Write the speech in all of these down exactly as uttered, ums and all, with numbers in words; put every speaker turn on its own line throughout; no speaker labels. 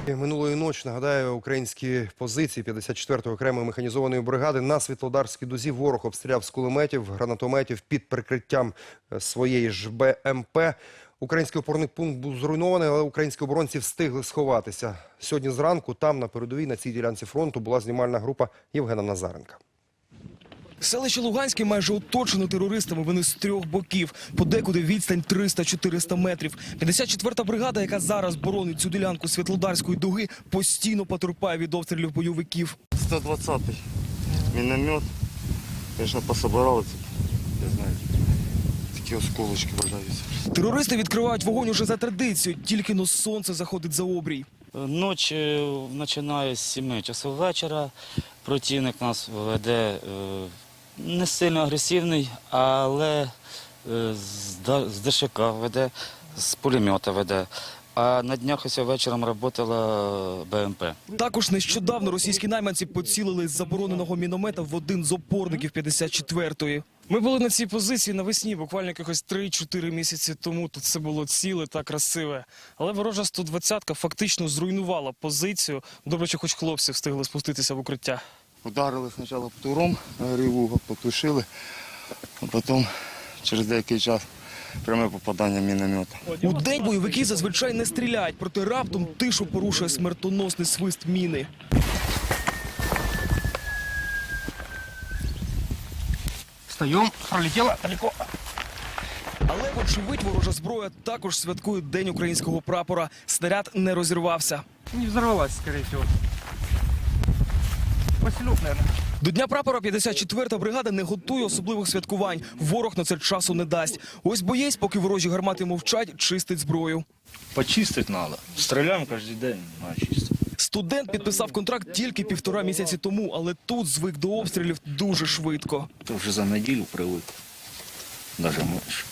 Минулої ночі, нагадаю, українські позиції п'ятдесят четвертої окремої механізованої бригади на Світлодарській дузі ворог обстріляв з кулеметів, гранатометів під прикриттям своєї ж Б М Пе. Український опорний пункт був зруйнований, але українські оборонці встигли сховатися. Сьогодні зранку там, на передовій, на цій ділянці фронту, була знімальна група Євгена Назаренка.
Селище Луганське майже оточено терористами, вони з трьох боків. Подекуди відстань триста-чотириста метрів. п'ятдесят четверта бригада, яка зараз боронить цю ділянку Світлодарської дуги, постійно потерпає від обстрілів бойовиків.
сто двадцятий міномет, звісно, пособирали, я знаю, такі осколочки валяються.
Терористи відкривають вогонь уже за традицією, тільки но сонце заходить за обрій.
Ніч починає з семи часов вечора. Противник нас веде не сильно агресивний, але з Д Ш К веде, з пулемета веде. А на днях ось вечором працювала Б М Пе.
Також нещодавно російські найманці поцілили з забороненого міномета в один з опорників п'ятдесят четвертої. Ми були на цій позиції навесні, буквально якихось три-чотири місяці тому. Тут все було ціле та красиве. Але ворожа сто двадцятка фактично зруйнувала позицію. Добре, що хоч хлопці встигли спуститися в укриття.
Ударили спочатку птуром, гриву потушили, а потім через деякий час пряме попадання міномета.
У день бойовики зазвичай не стріляють, проте раптом тишу порушує смертоносний свист міни.
Встаем, пролетела далеко.
Але, вочевидь, ворожа зброя також святкує День українського прапора. Снаряд не розірвався.
Не взорвалась, скорее всего. Василек, наверное.
До Дня прапора п'ятдесят четверта бригада не готує особливих святкувань. Ворог на це часу не дасть. Ось боєць, поки ворожі гармати мовчать, чистить зброю.
Почистить надо. Стреляем каждый день, надо чистить.
Студент підписав контракт тільки півтора місяці тому, але тут звик до обстрілів дуже швидко.
Ты уже за неделю привык. Даже меньше.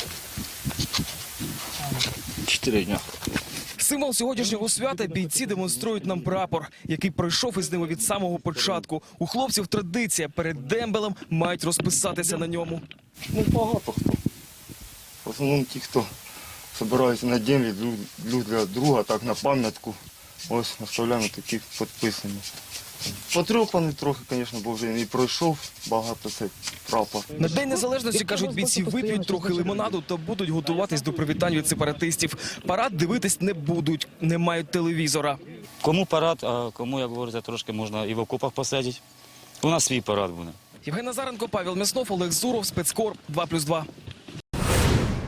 Четыре дня.
Символ сьогоднішнього свята бійці демонструють нам прапор, який пройшов із ними від самого початку. У хлопців традиція, перед дембелем мають розписатися на ньому.
Ну, багато хто. В основному ті, хто збираються на день, люблю для друга, так на пам'ятку. Ось оставляємо такі підписані. Потріпаний трохи, звісно, бо вже і пройшов багато цей прапор.
На День Незалежності, кажуть бійці, вип'ють трохи лимонаду та будуть готуватись до привітань від сепаратистів. Парад дивитись не будуть, не мають телевізора.
Кому парад, а кому, як говориться, трошки можна і в окопах посидіти. У нас свій парад буде.
Євген Назаренко, Павел Мяснов, Олег Зуров, Спецкор, два плюс два.